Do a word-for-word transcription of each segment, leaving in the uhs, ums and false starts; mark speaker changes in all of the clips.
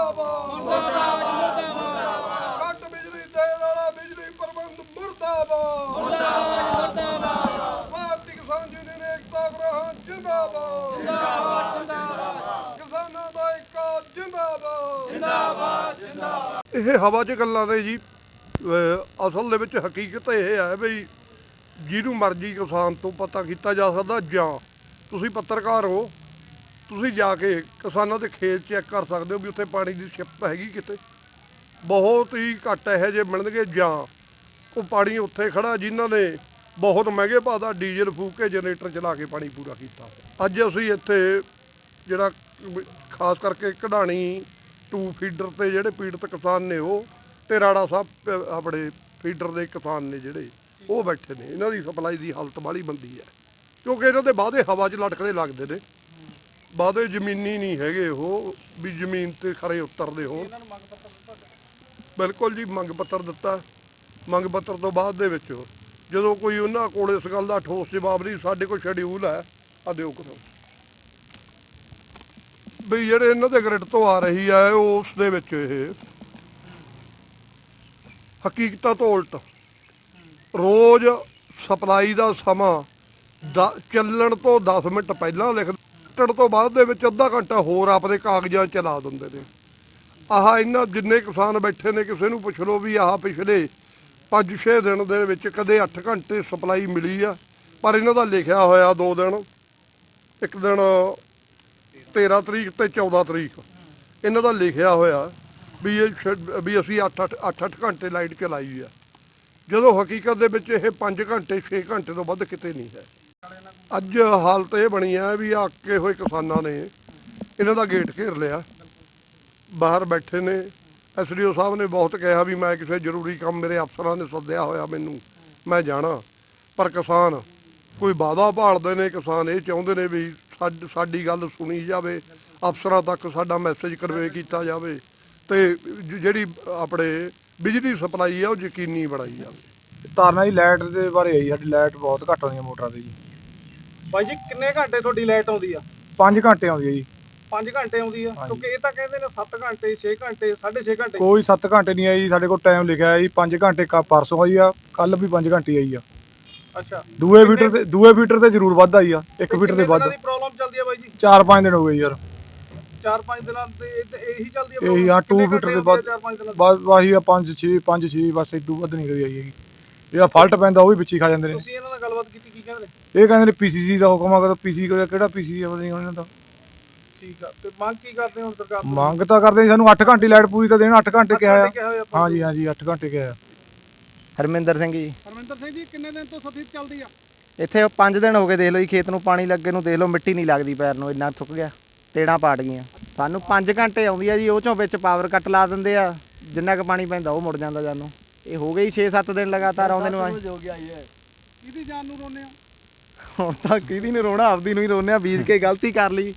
Speaker 1: मुर्दाबाद मुर्दाबाद मुर्दाबाद घट बिजली देने वाला बिजली प्रबंध मुर्दाबाद मुर्दाबाद मुर्दाबाद भारतीय किसान यूनियन एकता ग्रहण जिंदाबाद जिंदाबाद जिंदाबाद किसानों का एकता जिंदाबाद जिंदाबाद जिंदाबाद। ਇਹ ਹਵਾ 'ਚ ਗੱਲਾਂ ਨੇ ਜੀ, ਅਸਲ ਦੇ ਵਿੱਚ ਹਕੀਕਤ ਇਹ ਹੈ ਵੀ ਜਿਹਨੂੰ ਮਰਜ਼ੀ ਕਿਸਾਨ ਤੋਂ ਪਤਾ ਕੀਤਾ ਜਾ ਸਕਦਾ, ਜਾਂ ਤੁਸੀਂ ਪੱਤਰਕਾਰ ਹੋ, ਤੁਸੀਂ ਜਾ ਕੇ ਕਿਸਾਨਾਂ ਦੇ ਖੇਤ ਚੈੱਕ ਕਰ ਸਕਦੇ ਹੋ ਵੀ ਉੱਥੇ ਪਾਣੀ ਦੀ ਸ਼ਿਪ ਹੈਗੀ ਕਿਤੇ। ਬਹੁਤ ਹੀ ਘੱਟ ਇਹੋ ਜਿਹੇ ਮਿਲਣਗੇ, ਜਾਂ ਉਹ ਪਾਣੀ ਉੱਥੇ ਖੜਾ ਜਿਨ੍ਹਾਂ ਨੇ ਬਹੁਤ ਮਹਿੰਗੇ ਭਾਅ ਦਾ ਡੀਜ਼ਲ ਫੂਕ ਕੇ ਜਨਰੇਟਰ ਚਲਾ ਕੇ ਪਾਣੀ ਪੂਰਾ ਕੀਤਾ। ਅੱਜ ਅਸੀਂ ਇੱਥੇ ਜਿਹੜਾ ਖਾਸ ਕਰਕੇ ਕਢਾਣੀ ਟੂ ਫੀਡਰ 'ਤੇ ਜਿਹੜੇ ਪੀੜਤ ਕਿਸਾਨ ਨੇ ਉਹ, ਅਤੇ ਰਾੜਾ ਸਾਹਿਬ ਆਪਣੇ ਫੀਡਰ ਦੇ ਕਿਸਾਨ ਨੇ ਜਿਹੜੇ ਉਹ ਬੈਠੇ ਨੇ। ਇਹਨਾਂ ਦੀ ਸਪਲਾਈ ਦੀ ਹਾਲਤ ਬਾਹਲੀ ਮੰਦੀ ਹੈ, ਕਿਉਂਕਿ ਇਹਨਾਂ ਦੇ ਵਾਅਦੇ ਹਵਾ 'ਚ ਲਟਕਦੇ ਲੱਗਦੇ ਨੇ, ਵਾਅਦੇ ਜ਼ਮੀਨੀ ਨਹੀਂ ਹੈਗੇ ਉਹ ਵੀ ਜ਼ਮੀਨ 'ਤੇ ਖਰੇ ਉਤਰਦੇ ਹੋਣ। ਬਿਲਕੁਲ ਜੀ, ਮੰਗ ਪੱਤਰ ਦਿੱਤਾ। ਮੰਗ ਪੱਤਰ ਤੋਂ ਬਾਅਦ ਦੇ ਵਿੱਚ ਜਦੋਂ ਕੋਈ ਉਹਨਾਂ ਕੋਲ ਇਸ ਗੱਲ ਦਾ ਠੋਸ ਜਵਾਬ ਨਹੀਂ, ਸਾਡੇ ਕੋਲ ਸ਼ਡਿਊਲ ਹੈ ਆ ਦਿਓ ਕਰੋ ਵੀ ਜਿਹੜੇ ਇਹਨਾਂ ਦੇ ਗ੍ਰਿਡ ਤੋਂ ਆ ਰਹੀ ਹੈ ਉਸ ਦੇ ਵਿੱਚ ਇਹ ਹਕੀਕਤਾਂ ਤੋਂ ਉਲਟ ਰੋਜ਼ ਸਪਲਾਈ ਦਾ ਸਮਾਂ ਦ ਚੱਲਣ ਤੋਂ ਦਸ ਮਿੰਟ ਪਹਿਲਾਂ ਲਿਖ ਕੱਟਣ ਤੋਂ ਬਾਅਦ ਦੇ ਵਿੱਚ ਅੱਧਾ ਘੰਟਾ ਹੋਰ ਆਪਣੇ ਕਾਗਜ਼ਾਂ ਚਲਾ ਦਿੰਦੇ ਨੇ। ਆਹ ਇਹਨਾਂ ਜਿੰਨੇ ਕਿਸਾਨ ਬੈਠੇ ਨੇ, ਕਿਸੇ ਨੂੰ ਪੁੱਛ ਲਓ ਵੀ ਆਹ ਪਿਛਲੇ ਪੰਜ ਛੇ ਦਿਨ ਦੇ ਵਿੱਚ ਕਦੇ ਅੱਠ ਘੰਟੇ ਸਪਲਾਈ ਮਿਲੀ ਆ, ਪਰ ਇਹਨਾਂ ਦਾ ਲਿਖਿਆ ਹੋਇਆ ਦੋ ਦਿਨ, ਇੱਕ ਦਿਨ ਤੇਰ੍ਹਾਂ ਤਰੀਕ ਅਤੇ ਚੌਦ੍ਹਾਂ ਤਰੀਕ ਇਹਨਾਂ ਦਾ ਲਿਖਿਆ ਹੋਇਆ ਵੀ ਇਹ ਵੀ ਅਸੀਂ ਅੱਠ ਅੱਠ ਅੱਠ ਅੱਠ ਘੰਟੇ ਲਾਈਟ ਚਲਾਈ ਆ, ਜਦੋਂ ਹਕੀਕਤ ਦੇ ਵਿੱਚ ਇਹ ਪੰਜ ਘੰਟੇ ਛੇ ਘੰਟੇ ਤੋਂ ਵੱਧ ਕਿਤੇ ਨਹੀਂ ਹੈ। ਅੱਜ ਹਾਲਤ ਇਹ ਬਣੀ ਹੈ ਵੀ ਆਕੇ ਹੋਏ ਕਿਸਾਨਾਂ ਨੇ ਇਹਨਾਂ ਦਾ ਗੇਟ ਘੇਰ ਲਿਆ, ਬਾਹਰ ਬੈਠੇ ਨੇ। ਐਸ ਡੀ ਓ ਸਾਹਿਬ ਨੇ ਬਹੁਤ ਕਿਹਾ ਵੀ ਮੈਂ ਕਿਸੇ ਜ਼ਰੂਰੀ ਕੰਮ, ਮੇਰੇ ਅਫਸਰਾਂ ਨੇ ਸੱਦਿਆ ਹੋਇਆ ਮੈਨੂੰ, ਮੈਂ ਜਾਣਾ, ਪਰ ਕਿਸਾਨ ਕੋਈ ਵਾਅਦਾ ਭਾਲਦੇ ਨੇ। ਕਿਸਾਨ ਇਹ ਚਾਹੁੰਦੇ ਨੇ ਵੀ ਸਾਡੀ ਸਾਡੀ ਗੱਲ ਸੁਣੀ ਜਾਵੇ, ਅਫਸਰਾਂ ਤੱਕ ਸਾਡਾ ਮੈਸੇਜ ਕਨਵੇ ਕੀਤਾ ਜਾਵੇ, ਅਤੇ ਜਿਹੜੀ ਆਪਣੇ ਬਿਜਲੀ ਸਪਲਾਈ ਆ ਉਹ ਯਕੀਨੀ ਬਣਾਈ ਜਾਵੇ।
Speaker 2: ਤਾਰਨਾ ਜੀ ਲਾਈਟ ਦੇ ਬਾਰੇ ਆਈ, ਸਾਡੀ ਲਾਈਟ ਬਹੁਤ ਘੱਟ ਆਉਂਦੀ ਹੈ ਮੋਟਰਾਂ 'ਤੇ ਜੀ।
Speaker 3: ਬਾਈ ਜੀ ਕਿੰਨੇ ਘੰਟੇ ਤੁਹਾਡੀ ਲਾਈਟ ਆਉਂਦੀ ਆ?
Speaker 2: ਪੰਜ ਘੰਟੇ ਆਉਂਦੀ ਹੈ ਜੀ।
Speaker 3: ਪੰਜ ਘੰਟੇ ਆਉਂਦੀ ਆ, ਕਿਉਂਕਿ ਇਹ ਤਾਂ ਕਹਿੰਦੇ ਨੇ ਸੱਤ ਘੰਟੇ ਛੇ ਘੰਟੇ ਸਾਢੇ ਛੇ ਘੰਟੇ।
Speaker 2: ਕੋਈ ਸੱਤ ਘੰਟੇ ਨਹੀਂ ਆਈ ਜੀ, ਸਾਡੇ ਕੋਲ ਟਾਈਮ ਲਿਖਿਆ ਹੈ ਜੀ ਪੰਜ ਘੰਟੇ। ਕਾ ਪਰਸੋਂ ਆਈ ਆ, ਕੱਲ ਵੀ ਪੰਜ ਘੰਟੇ ਆਈ ਆ।
Speaker 3: ਅੱਛਾ,
Speaker 2: ਦੂਏ ਫੀਟਰ ਤੇ ਦੂਏ ਫੀਟਰ ਤੇ ਜ਼ਰੂਰ ਵੱਧ ਆਈ ਆ, ਇੱਕ ਫੀਟਰ ਤੇ ਵੱਧ।
Speaker 3: ਕਿੰਨੇ ਦਿਨਾਂ ਦੀ ਪ੍ਰੋਬਲਮ ਚੱਲਦੀ ਆ ਬਾਈ ਜੀ?
Speaker 2: ਚਾਰ ਪੰਜ ਦਿਨ ਹੋ ਗਏ ਯਾਰ।
Speaker 3: ਚਾਰ ਪੰਜ ਦਿਨਾਂ ਤੇ ਇਹੀ ਚੱਲਦੀ ਆ
Speaker 2: ਇਹੀ ਆ, ਟੂ ਫੀਟਰ ਦੇ ਵੱਧ
Speaker 3: ਚਾਰ ਪੰਜ ਦਿਨਾਂ
Speaker 2: ਬਸ ਆਹੀ ਆ, ਪੰਜ ਛੇ ਪੰਜ ਛੇ ਬਸ, ਇਦੋਂ ਵੱਧ ਨਹੀਂ ਕਰੀ ਆਈ ਹੈਗੀ। ਜਿਹੜਾ ਫਾਲਟ ਪੈਂਦਾ ਉਹ ਵੀ ਵਿੱਚੀ ਖਾ ਜਾਂਦੇ ਨੇ।
Speaker 3: ਤੁਸੀਂ ਇਹਨਾਂ ਨਾਲ ਗੱਲਬਾਤ ਕੀਤੀ, ਕੀ ਕਹਿੰਦੇ ਨੇ?
Speaker 2: ਇਹ ਕਹਿੰਦੇ ਨੇ ਪੀ ਸੀ ਸੀ ਦਾ ਹੁਕਮ ਆ, ਕਰੋ ਪੀ ਸੀ ਕਿਹੜਾ ਪੀ ਸੀ ਆ ਪਤਾ ਨਹੀਂ ਇਹਨਾਂ ਦਾ।
Speaker 3: ਠੀਕ ਆ, ਤੇ ਮੰਗ ਕੀ ਕਰਦੇ ਹੁਣ ਸਰਕਾਰ ਤੋਂ?
Speaker 2: ਮੰਗ ਤਾਂ ਕਰਦੇ ਸਾਨੂੰ ਅੱਠ ਘੰਟੇ ਲਾਈਟ ਪੂਰੀ ਤਾਂ ਦੇਣ। ਅੱਠ ਘੰਟੇ ਕਿਹਾ ਆ, ਹਾਂਜੀ ਹਾਂਜੀ ਅੱਠ ਘੰਟੇ ਕਿਹਾ ਆ।
Speaker 4: ਹਰਮਿੰਦਰ ਸਿੰਘ ਜੀ।
Speaker 3: ਹਰਮਿੰਦਰ ਸਿੰਘ ਜੀ, ਕਿੰਨੇ ਦਿਨ ਤੋਂ ਸਥਿਤੀ ਚੱਲਦੀ ਆ?
Speaker 4: ਇੱਥੇ ਪੰਜ ਦਿਨ ਹੋ ਗਏ, ਦੇਖ ਲਓ ਜੀ, ਖੇਤ ਨੂੰ ਪਾਣੀ ਲੱਗੇ ਨੂੰ ਦੇਖ ਲਓ, ਮਿੱਟੀ ਨਹੀਂ ਲੱਗਦੀ ਪੈਰ ਨੂੰ, ਇੰਨਾ ਥੁੱਕ ਗਿਆ, ਤੇੜਾਂ ਪਾਟ ਗਈਆਂ। ਸਾਨੂੰ ਪੰਜ ਘੰਟੇ ਆਉਂਦੀ ਆ ਜੀ, ਉਹ ਚੋਂ ਵਿੱਚ ਪਾਵਰ ਕੱਟ ਲਾ ਦਿੰਦੇ ਆ, ਜਿੰਨਾ ਕੁ ਪਾਣੀ ਪੈਂਦਾ ਉਹ ਮੁੜ ਜਾਂਦਾ ਜਾਨੂੰ। ਇਹ ਹੋ ਗਈ ਛੇ ਸੱਤ ਦਿਨ ਲਗਾਤਾਰ ਆਉਂਦੇ ਨੂੰ।
Speaker 3: ਕਿਹਦੀ ਜਾਨ ਨੂੰ ਰੋਨੇ ਆ?
Speaker 4: ਹੁਣ ਤਾਂ ਕਿਹਦੀ ਨੂੰ ਰੋਣਾ, ਆਪਦੀ ਨੂੰ ਹੀ ਰੋਨੇ ਆ, ਬੀਜ ਕੇ ਗਲਤੀ ਕਰ ਲਈ।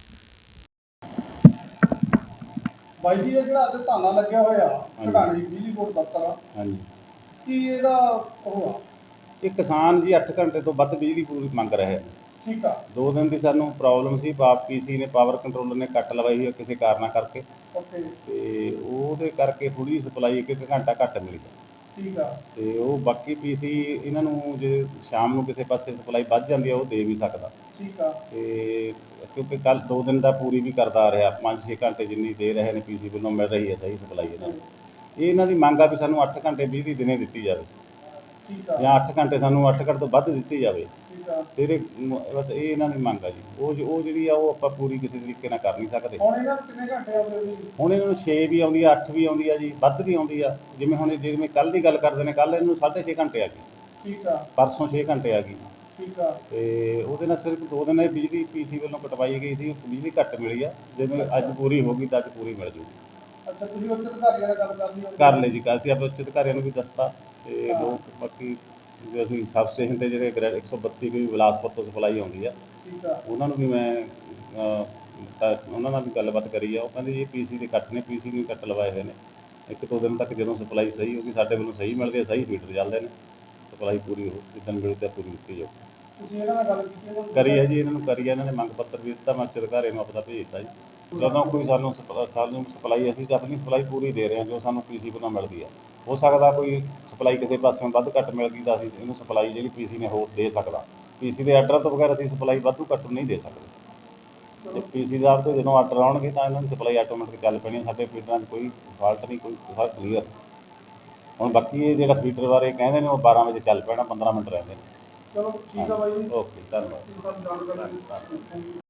Speaker 3: ਬਾਈ ਜੀ, ਇਹ ਜਿਹੜਾ ਅੱਜ ਧਾਨਾ ਲੱਗਿਆ ਹੋਇਆ ਘਟਾਣੀ ਬਿਜਲੀ ਬੋਰਡ ਦਫ਼ਤਰ,
Speaker 5: ਹਾਂਜੀ,
Speaker 3: ਕੀ ਇਹਦਾ ਉਹ ਆ?
Speaker 5: ਇਹ ਕਿਸਾਨ ਜੀ ਅੱਠ ਘੰਟੇ ਤੋਂ ਵੱਧ ਬਿਜਲੀ ਪੂਰੀ ਮੰਗ ਰਹੇ ਨੇ।
Speaker 3: ਠੀਕ ਆ।
Speaker 5: ਦੋ ਦਿਨ ਦੀ ਸਾਨੂੰ ਪ੍ਰੋਬਲਮ ਸੀ, ਪਾਪ ਪੀਸੀ ਨੇ ਪਾਵਰ ਕੰਟਰੋਲਰ ਨੇ ਕੱਟ ਲਵਾਈ ਹੋਈ ਕਿਸੇ ਕਾਰਨਾਂ ਕਰਕੇ,
Speaker 3: ਓਕੇ,
Speaker 5: ਤੇ ਉਹਦੇ ਕਰਕੇ ਥੋੜੀ ਸਪਲਾਈ ਇੱਕ ਇੱਕ ਘੰਟਾ ਘੱਟ ਮਿਲੀ।
Speaker 3: ਠੀਕ ਆ।
Speaker 5: ਤੇ ਉਹ ਬਾਕੀ ਪੀਸੀ ਇਹਨਾਂ ਨੂੰ ਜੇ ਸ਼ਾਮ ਨੂੰ ਕਿਸੇ ਪਾਸੇ ਸਪਲਾਈ ਵੱਧ ਜਾਂਦੀ ਆ ਉਹ ਦੇ ਵੀ ਸਕਦਾ।
Speaker 3: ਠੀਕ ਆ।
Speaker 5: ਤੇ ਕਿਉਂਕਿ ਕੱਲ ਦੋ ਦਿਨ ਦਾ ਪੂਰੀ ਵੀ ਕਰਦਾ ਆ ਰਿਹਾ, ਪੰਜ ਛੇ ਘੰਟੇ ਜਿੰਨੀ ਦੇ ਰਹੇ ਨੇ ਪੀਸੀ ਵੱਲੋਂ ਮਿਲ ਰਹੀ ਹੈ ਸਹੀ ਸਪਲਾਈ ਇਹਨਾਂ ਨੂੰ। ਇਹ ਇਹਨਾਂ ਦੀ ਮੰਗ ਆ ਵੀ ਸਾਨੂੰ ਅੱਠ ਘੰਟੇ ਬਿਜਲੀ ਦਿਨੇ ਦਿੱਤੀ ਜਾਵੇ, ਜਾਂ ਅੱਠ ਘੰਟੇ ਸਾਨੂੰ ਅੱਠ ਘੰਟੇ ਤੋਂ ਵੱਧ ਦਿੱਤੀ ਜਾਵੇ। ਫਿਰ ਬਸ ਇਹ ਇਹਨਾਂ ਦੀ ਮੰਗ ਆ ਜੀ। ਉਹ ਉਹ ਜਿਹੜੀ ਆ ਉਹ ਆਪਾਂ ਪੂਰੀ ਕਿਸੇ ਤਰੀਕੇ ਨਾਲ ਕਰ ਨਹੀਂ ਸਕਦੇ।
Speaker 3: ਹੁਣ ਇਹਨਾਂ ਨੂੰ ਕਿੰਨੇ ਘੰਟੇ ਆਉਂਦੇ ਜੀ?
Speaker 5: ਹੁਣ ਇਹਨਾਂ ਨੂੰ ਛੇ ਵੀ ਆਉਂਦੀ ਆ, ਅੱਠ ਵੀ ਆਉਂਦੀ ਆ ਜੀ, ਵੱਧ ਵੀ ਆਉਂਦੀ ਆ। ਜਿਵੇਂ ਹੁਣ ਜਿਵੇਂ ਕੱਲ੍ਹ ਦੀ ਗੱਲ ਕਰਦੇ ਨੇ, ਕੱਲ੍ਹ ਇਹਨੂੰ ਸਾਢੇ ਛੇ ਘੰਟੇ ਆ ਗਈ।
Speaker 3: ਠੀਕ ਆ।
Speaker 5: ਪਰਸੋਂ ਛੇ ਘੰਟੇ ਆ ਗਈ।
Speaker 3: ਠੀਕ ਆ।
Speaker 5: ਤੇ ਉਹਦੇ ਨਾਲ ਸਿਰਫ ਦੋ ਦਿਨ ਇਹ ਬਿਜਲੀ ਪੀਸੀ ਵੱਲੋਂ ਕਟਵਾਈ ਗਈ ਸੀ, ਬਿਜਲੀ ਘੱਟ ਮਿਲੀ ਆ। ਜਿਵੇਂ ਅੱਜ ਪੂਰੀ ਹੋ ਗਈ ਤਾਂ ਅੱਜ ਪੂਰੀ ਮਿਲ ਜੂਗੀ।
Speaker 3: ਅੱਛਾ, ਤੁਸੀਂ ਉੱਚ ਅਧਿਕਾਰੀਆਂ ਨਾਲ ਗੱਲ ਕਰ ਲਈ?
Speaker 5: ਕਰ ਲਈ ਜੀ, ਅਸੀਂ ਆਪਣੇ ਉੱਚ ਅਧਿਕਾਰੀਆਂ ਨੂੰ ਵੀ ਦੱਸਤਾ, ਤੇ ਲੋਕ ਬਾਕੀ ਜੇ ਅਸੀਂ ਸਬ ਸਟੇਸ਼ਨ 'ਤੇ ਜਿਹੜੇ ਗ੍ਰੈਡ ਇੱਕ ਸੌ ਬੱਤੀ ਵੀ ਬਿਲਾਸਪੁਰ ਤੋਂ ਸਪਲਾਈ ਆਉਂਦੀ ਆ, ਉਹਨਾਂ ਨੂੰ ਵੀ ਮੈਂ ਉਹਨਾਂ ਨਾਲ ਵੀ ਗੱਲਬਾਤ ਕਰੀ ਆ। ਉਹ ਕਹਿੰਦੇ ਜੀ ਪੀ ਸੀ ਦੇ ਕੱਟ ਨੇ, ਪੀ ਸੀ ਨੂੰ ਕੱਟ ਲਵਾਏ ਹੋਏ ਨੇ। ਇੱਕ ਦੋ ਦਿਨ ਤੱਕ ਜਦੋਂ ਸਪਲਾਈ ਸਹੀ ਹੋਊਗੀ, ਸਾਡੇ ਵੱਲੋਂ ਸਹੀ ਮਿਲਦੀ ਹੈ, ਸਹੀ ਫੀਡਰ ਚੱਲਦੇ ਨੇ, ਸਪਲਾਈ ਪੂਰੀ ਹੋ ਜਿੱਦਣ ਮਿਲਦੀ ਤਾਂ ਪੂਰੀ ਦਿੱਤੀ ਜਾਊ।
Speaker 3: ਤੁਸੀਂ ਇਹਨਾਂ ਨਾਲ ਗੱਲ ਕੀਤੀ?
Speaker 5: ਕਰੀ ਹੈ ਜੀ, ਇਹਨਾਂ ਨੂੰ ਕਰੀ ਹੈ, ਇਹਨਾਂ ਨੇ ਮੰਗ ਪੱਤਰ ਵੀ ਦਿੱਤਾ, ਮੈਂ ਉੱਚ ਅਧਿਕਾਰੀਆਂ ਨੂੰ ਆਪਦਾ ਭੇਜ ਦਿੱਤਾ ਜੀ। ਜਦੋਂ ਕੋਈ ਸਾਨੂੰ ਸਪ- ਸਾਨੂੰ ਸਪਲਾਈ ਅਸੀਂ ਆਪਣੀ ਸਪਲਾਈ ਪੂਰੀ ਦੇ ਰਹੇ ਹਾਂ ਜੋ ਸਾਨੂੰ ਪੀਸੀ ਵੱਲੋਂ ਮਿਲਦੀ ਹੈ। ਹੋ ਸਕਦਾ ਕੋਈ ਸਪਲਾਈ ਕਿਸੇ ਪਾਸਿਓਂ ਵੱਧ ਘੱਟ ਮਿਲ ਗਈ ਤਾਂ ਅਸੀਂ ਇਹਨੂੰ ਸਪਲਾਈ ਜਿਹੜੀ ਪੀਸੀ ਨੇ ਹੋਰ ਦੇ ਸਕਦਾ। ਪੀਸੀ ਦੇ ਆਰਡਰ ਤੋਂ ਬਗੈਰ ਅਸੀਂ ਸਪਲਾਈ ਵਾਧੂ ਘੱਟ ਨਹੀਂ ਦੇ ਸਕਦੇ। ਤੇ ਪੀਸੀ ਸਾਹਿਬ ਤੋਂ ਜਦੋਂ ਆਰਡਰ ਆਉਣਗੇ ਤਾਂ ਇਹਨਾਂ ਦੀ ਸਪਲਾਈ ਆਟੋਮੈਟਿਕ ਚੱਲ ਪੈਣੀ। ਸਾਡੇ ਫੀਡਰਾਂ 'ਚ ਕੋਈ ਫਾਲਟ ਨਹੀਂ, ਕੋਈ ਸਭ ਕਲੀਅਰ। ਹੁਣ ਬਾਕੀ ਇਹ ਜਿਹੜਾ ਫੀਡਰ ਬਾਰੇ ਕਹਿੰਦੇ ਨੇ ਉਹ ਬਾਰਾਂ ਵਜੇ ਚੱਲ ਪੈਣਾ, ਪੰਦਰਾਂ ਮਿੰਟ ਰਹਿੰਦੇ ਨੇ।
Speaker 3: ਚਲੋ ਠੀਕ ਆ ਬਾਈ ਜੀ,
Speaker 5: ਓਕੇ, ਧੰਨਵਾਦ।
Speaker 3: ਸਭ ਜਾਣਕਾਰੀ